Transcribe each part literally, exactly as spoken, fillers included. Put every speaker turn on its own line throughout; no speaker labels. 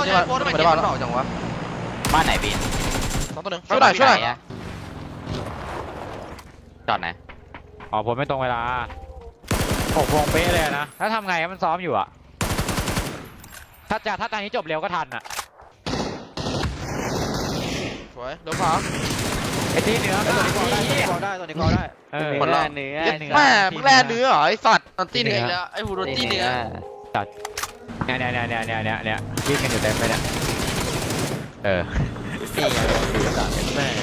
นี่มาไม่ได้บ้านแล้วจังวะ
บ้านไหนบีน
สองตัวหนึ่งช่วยหน่อยช่วยหน่อย
จอดไหน
อ๋อผมไม่ตรงเวลาหกโมงเป๊ะเลยนะถ้าทำไงมันซ้อมอยู่อะถ้าจะถ้าตอนนี้จบเร็วก็ทันอะ
สวยเดี๋ยวขวา
ไอ้ที่เนื้อตัวนี้กอได้ตัวนี้กอได้ตัวนี้กอได้เออ
คนละเนื้อ
แม่มึงแร่เนื้อเหรอไอสัตว์ตีเนื้อแล้วไอหูโรตีเนื้อ
จัดเนี่ยเนี่ยเนี่ยเนี่ยเนี่ยเนี่ยวิ่งกันอยู่เต็มไปเนี่ยเออ
แม่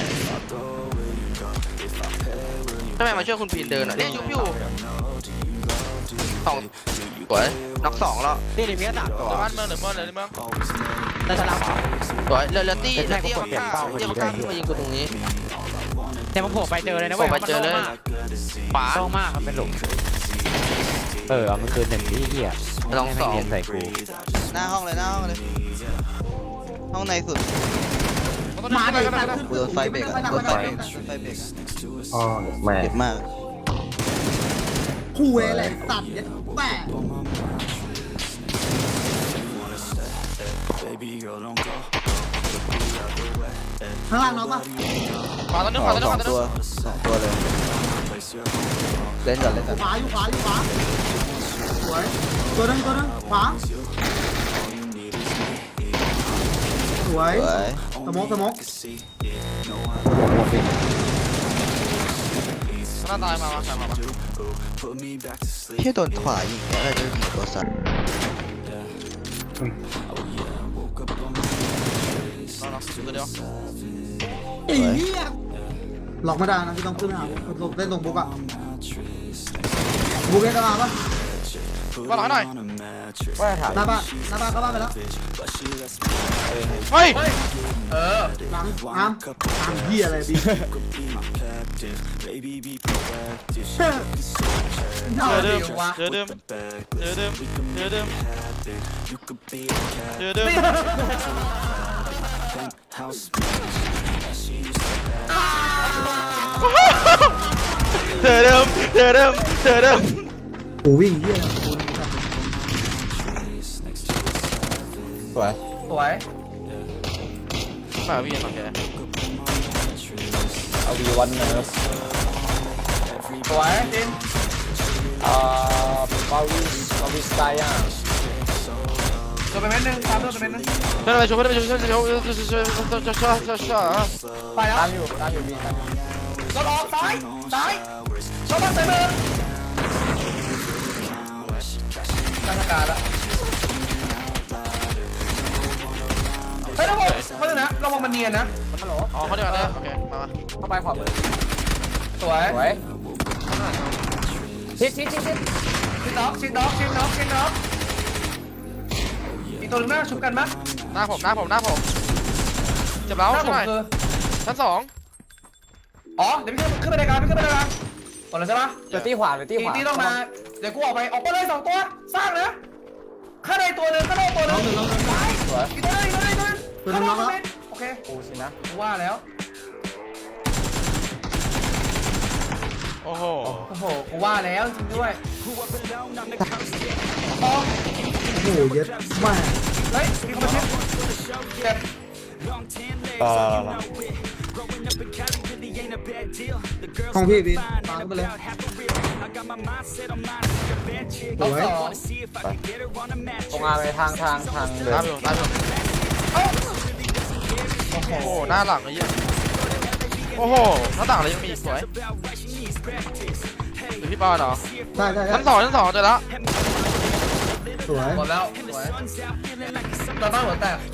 ทำไมมาช่วยคุณพีนเดินอ่ะเนี่ยยุบอยู่สองสวยน็อกสองแล้ว
นี่นี่มีสามตัว
บ้านเมืองหรือเมืองไหนเมือง
แต่ฉลาม
สวยเรือเรือตี้เรือตี้มาฆ่าเรือมาฆ่าขึ้นมายิงกูตรงนี้
แต่ผมโผล่ไปเจอเลยนะเว้ย
ไปเจอเลย
ขวาโล่งมากมันเป็นหลุมเออเอามันคืนหนึ่งที่เหี้ย
ลองสอง
ใส่กู
หน้าห้องเลยหน้าห้องเลยห้องในสุด
มาเลยกันนะ
กูโดนไฟเบรกอะโดนไฟไฟเบรก
อ๋อแม่
เจ็บมาก
คู่เอเลยตัดยัดแปะข้างล่างน้องปะ
ขวาตัวนึงขวาตัวนึงขวาตัวนึง
สองตัวเลยเล่นก่อนเล่นก่อน
ขวาอยู่ขวาอยู่ขวาสวยตัวนึงตัวนึงขวาสวยสมองสมอง
หน้าตายมามาใครมามา
ที่โดนขวายิงอะไรจะยิงตัวสัตว์
อีเนี่ยหลอกไม่ได้นะที่ต้องขึ้นหาเล่นตรงบุ๊กอะบุ๊กเล่นกันมาปะ
ว่าหลังหน่อย
ว่าถามหน้าบ้านหน้าบ้านเข้าบ้านไปแล้ว
เฮ้ย
เออหลังอ้ามอ้ามเหี้ยอะไรบี
เจอเดิมเจอเดิมเจอเดิมเจอเดิมเจอเดิมเจอเดิมเจอเดิมเจอเดิม
โอ้วิ่งเหี้ย
สวย
สวย
มาวิ่งมาแก
เอาวีวันเนิร์ฟ
สวยจิน
อ่าบาวิสบาวิสไกอ่ะ
ตัวเป็นเม็ดนึงตามตัวเป็นเม็ดนึง
เดินไปช่วยเดินไปช่วยช่วยช่วยช่วยช่วยช่วยช่วย
ไปแล้ว
ตามอยู่ตามอยู่บีตามอยู่
รถออกซ้ายซ้ายรถมาใส่มือตั้งอาการแล้วเฮ้ยทุกคนเขาเลยนะระวังมันเนียนนะฮัลโหล
อ๋อเขาเดี๋ยวนะโอเคมา
เข้าไปขวามือสวย
สวย
ชิดชิดชิดชิดชิดน็อกชิดน็อกชิดน็อกชิดน็อกอีกตัวนึงหน้าชุบกันมั้ย
หน้าผมหน้าผมหน้าผมเจ็บแล้วใช่ไหมชั้นสอง
อ๋อเดี๋ยวพี่ขึ้นไปในการพี่ขึ้นไปในการก่อนเลยใช่ปะ
เดี๋ยวตีขวาเดี๋ยวตีขวา
ตีต้องมาเดี๋ยวกูออกไปออกไปเลยสองตัวสร้างนะข้าในตัวนึงข้าในตัวนึงสวยอีกตัวนึงอีกตัวนึงตัวนึงตัวนึงโอเค
โอ้สินะ
ว่าแล้ว
โอ้โห
โอ้โหกูว่าแล้วจริงด้วยโอ้โหเยอะมากเฮ้ยมีคนมาเช็คเจ็บ
ต่อ
ของพี่บินตามไปเลย
โอ้ยตรงมาไปทางทางทางเดิน
ตามอยู่ตามอยู่โอ้โหหน้าหลังเลยเยอะโอ้โหหน้าต่างเลยยังมีสวยหรือพี่ปอนเหรอ
ใช่ใช่
ชั้นสองชั้นสองเจอแล้ว
สวยหมดแล้วสวยตาบ้านหัวแตก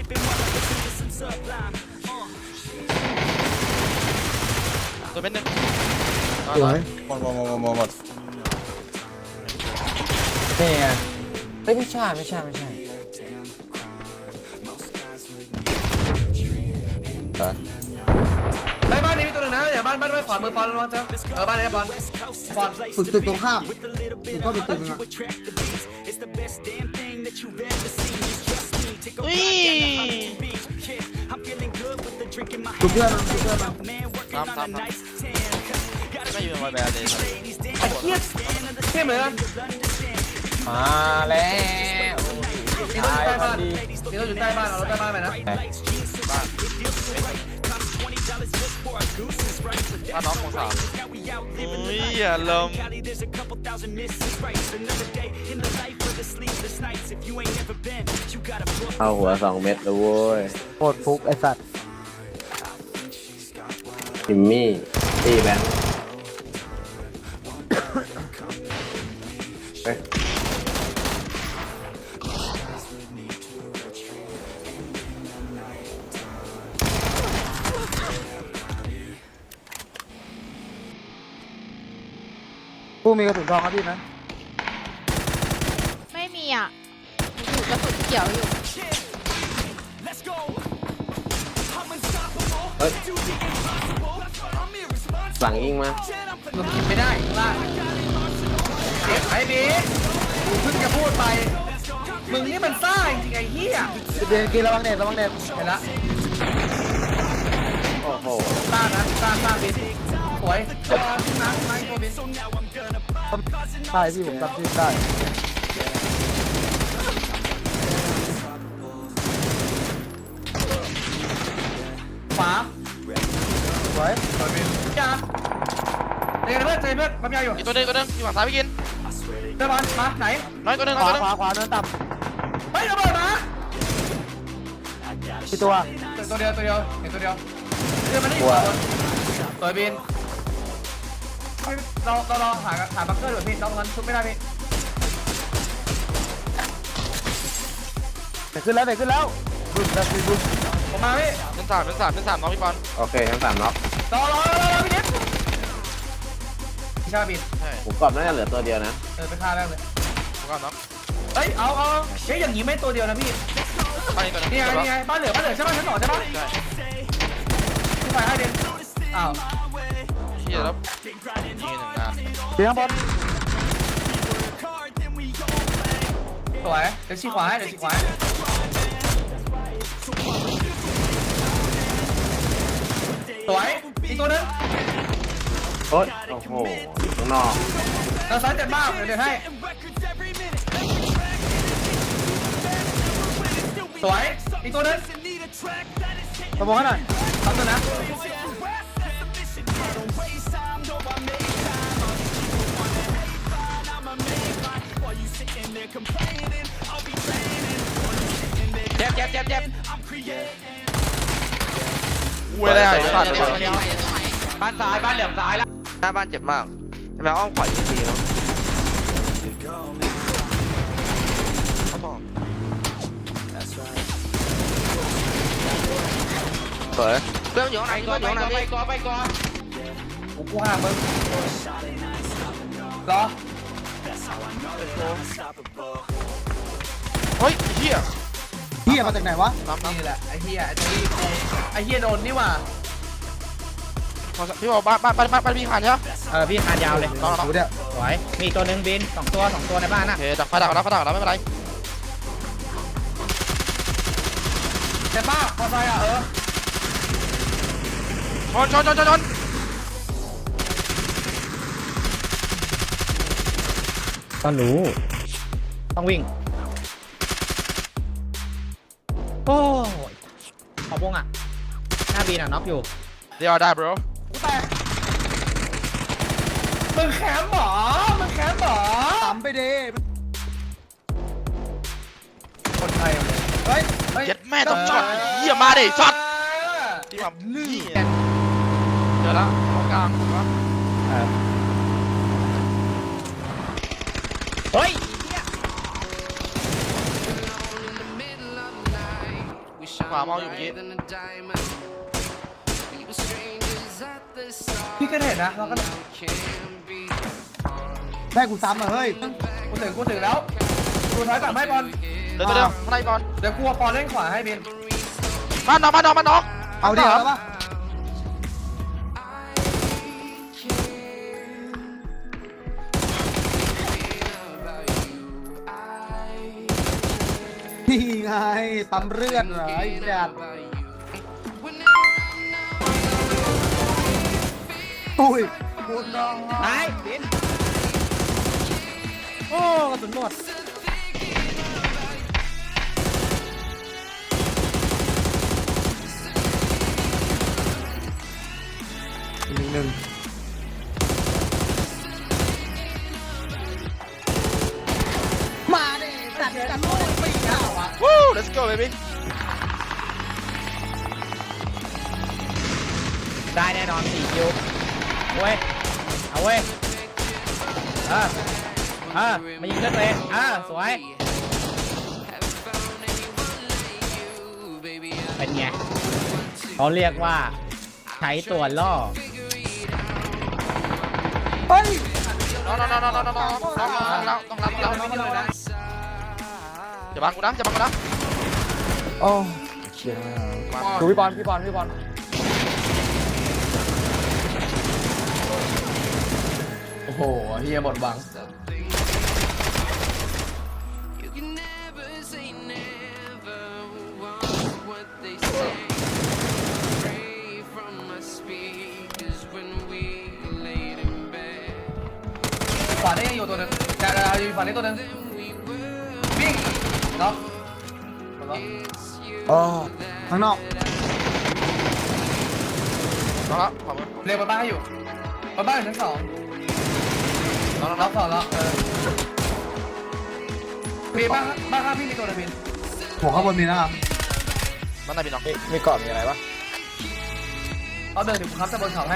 ตัวเป็นหนึ่ง
สวย
หมดหมดหมดหมดหมดนี่ไงเฮ้ยไม่ใช่ไม่ใช่ไม่ใช่
ไอ้บ้านนี้มีตัวหนึ่งนะอย่าบ้านบ้านไม่ขวามือปอนระวังเจ้าเออบ้านนี้ปอนปอนฝึกตึกตรงข้ามฝึกเข้าไปตึกนึงอ่ะ
อุ้ย
จุดเพื่อนมันจุดเพื่อนมัน
ทำทำทำไม่อยู่ในแบบเลย
เทียบเทียบเลยนะ
มาแล้ว
ตีต้นใต้บ้านตีต้เราอยู่ใต้บ้านเราใต้บ้านไปนะ
บ้านน้องของสามอุ้ยอย่าลม
เอาหัวสองเม็ดเลยเว้ยโคตรฟุกไอสัตว์จิมมี่ตีแบงค์เฮ้ยผู้มีกระสุนทองครับพี่นะ
ไม่มีอ่ะอยู่กระสุนเขียวอยู่
เฮ้ยหลังยิงมา
มึงกินไม่ได้ข้างล่างเด็กไอ้บีกูเพิ่งจะพูดไปมึงนี่มันซ่าจริงไอ้เหี้ย
เดินกินระวังเน็ตระวังเน็ต
เห็นละ
โอ้โห
ซ่านะซ่าซ่าบินสวยตัวน้ำไม้ตัวบิน
ใช่พี่ผมจำชื่อได้
ขวา
สวย
ยาเดี๋ยวเพื่อนเดี๋ยวเพื่อนปั๊มยาอยู่
อีกตัวหนึงตัวหนึงอยู่ฝั่งซ้ายพี่กิน
เพื่อนบอลมาไหน
น้อยตัวหนึง
ข
น้อยว
า
ตัวหนึง
ขวาขวาเนินต่
เฮ้ยระเบิดมา
ำกี่ตัว
ตัวเดียวตัวเดียวเห็นตัวเดียวเดี๋ยวมันนี่ตัวตัวบินเราเราเราหาหาบังเกอร์ด้วยพี่เราตรงนั้นทุบไม่ได้พี่
เด็กขึ้นแล้วเด็กขึ้นแล้วบึ้มแบบบึ้ม
ผมมาพี่
เป็นสามเป็นสามเป็นสามน้องพี่บอล
โอเคทั้งสามน็อก
รอรอรอรอพี่นิดพี่ชาบิน
ใช่
ผมกรอบน่าจะเหลือตัวเดียวนะ
เออไปฆ่าแม่งเลย
แล้วก็น้อง
เฮ้ยเอาเอาเฮ้ยอย่างนี้ไม่ตัวเดียวนะพี่
ไปอีกตัวหนึง
นี่ไงนี่ไงบ้านเหลือบ้านเหลือใช่ป่ะชั้นสองใช่ป่ะ
ใช่
พี่ไปให้เด่นอ้าว
เชี่ยแล้วนี่หนึ่งงาน
เสียงบอล
สวยเดี๋ยวชี้ขวาให้เดี๋ยวชี้ขวาให้สวยอีกตัวนึง
โอ้ยโอ้โหข้างนอก
เราซ้ายเจ็บมากเดี๋ยวเดี๋ยวให้สวยอีกตัวนึง
สมองให้หน่อย
ทำตัวนะเจ็บเจ็บเจ็บเจ็บ
อุ้ยอะไรอ่ะสัตว์
บ้านซ้ายบ้านเหลี่ยมซ้ายแล้ว
หน้าบ้านเจ็บมากทำไมอ้อมขวาอีกทีเนาะเขาบอกสวยเพื่อนอยู่ข้างใน
ไป
เพื่
ก่
อ
อน
นอ
ไป
ยู่ข้างใน
ก่อน
พี่
ไปก่อนไปก่อน
กูกูห้ามมึงรอ
เฮ้ยเฮีย
เฮียมาจากไหนวะ
น้ำน้ำ
นี่แหละไอ้เหี้ยไอ้ที่กูไอ้เหี้ยโดนนี่หว่า
พี่บอกบ้านบ้านบ้านบ้านพี่ขานใช่ไหม
เออพี่คานยาวเลย
น้องน้อง
ดูเนี่ย
สวยมีตัวหนึ่งบินสองตัวสองตัวในบ้าน
โอ
น่ะ
เคดักไฟดักแล้วไฟดักแล้วไม่เป็นไร
เจ็บป้าพอใจอ่ะเออ
ชนชนชนชนชน
ก็รู้ต้องวิ่งโอ้ยขอบวงอ่ะหน้าบีนอ่ะน็อกอยู่
เดี๋ยวได้ bro
กูแตกมึงแคมป์หรอมึงแคมป์หรอ
ต่ำไปดิ
คนไทยเฮ้ยเฮ้ย
เจ็ดแม่ต้องช็อตเฮียมาดิช็อตที่แบบลื่นเจอแล้วตรงกลางถูกปะ
เฮ้ย
ขวามองอยู่เมื่อกี้
พี่ก็เห็นนะเราก็
แม่กูซ้ำอ่ะเฮ้ย
กูถึงกูถึงแล้วกูถอยกลับให้บอล
เดี๋ยวเดี๋ยวข้างในก่อน
เดี๋ยวกูเอาบอลเล่นขวาให้บิน
บ้านน้องบ้านน้องบ้านน้อง
เอาดิเอาปะนี่ไงปั๊มเลือดเหรอไอ้จัดอุ้ยบุญน้อง
ตายบินโอ้กระสุนหมด
let's go baby
ได้แน่นอนสี่คิวเว้ยเอาเว้ยเออเออมายิงเลือดตัวเองอ่าสวยเป็นไงเขาเรียกว่าใช้ตัวล่อเฮ้ย
น้องน้องน้องน้องน้องน้องน้องน้องน้องต้องรับต้องรับต้องรับอย่าบังกูนะอย่าบังกูนะ
โอ้เชี่ยดูพี่บอลพี่บอลพี่บอล
โอ้โหเฮียหมดหวัง ขวาได้ยังอยู่ตัวหนึงแต่เราอยู่ฝั่งนี้ตัวหนึงวิ่งเนาะ
อ๋อ
ข้างนอก
น้องละขอบคุณ
เรียกบนบ้านให้อยู่บนบ้านอยู่ชั้นสอง
น้องน้อง
ล็อกสองแล้วเออมีบ้านบ้านข้างพี่มีตัวหนึงบินหัวข้างบนมีนะครับ
บ้านไหนพี่น้อง
มีกรอบมีอะไรปะ
เอาเดินถึงผมครับจะบนเขาให้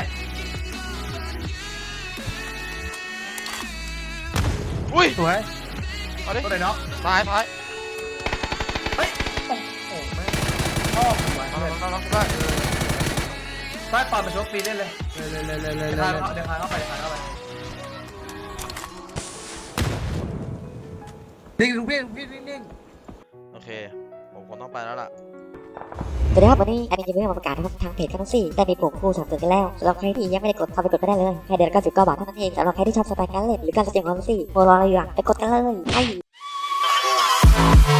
อุ้ย
สวย
เอาดิ
ตัวไหนเนาะ
ซ้ายซ้าย
เฮ้ยโอ้โหแม่งชอบสวย
น้อง
เลย
น้องน้องได้
ใต้ปอนเป็นชกปีเล่นเลยเลยเลยเลยเลยเลยเดี๋ยวพาเข้าไปเดี๋ยวพาเข้าไปนิ่งดูพี่พี่นิ่งนิ่ง
โอเคผมคงต้องไปแล้วล่ะ
สวัสดีครับวันนี้แอดมินจะมีมาประกาศนะครับทางเพจกันทั้งสี่ได้มีปุ่มคู่สนับสนุนกันแล้วสำหรับใครที่ยังไม่ได้กดเข้าไปกดก็ได้เลยแค่เดือนละเก้าสิบเก้าบาทเท่านั้นเองสำหรับใครที่ชอบสไตล์การเล่นหรือการแสดงความรู้สึกโปรรออะไรอยู่อ่ะไปกดกันเลยไอ้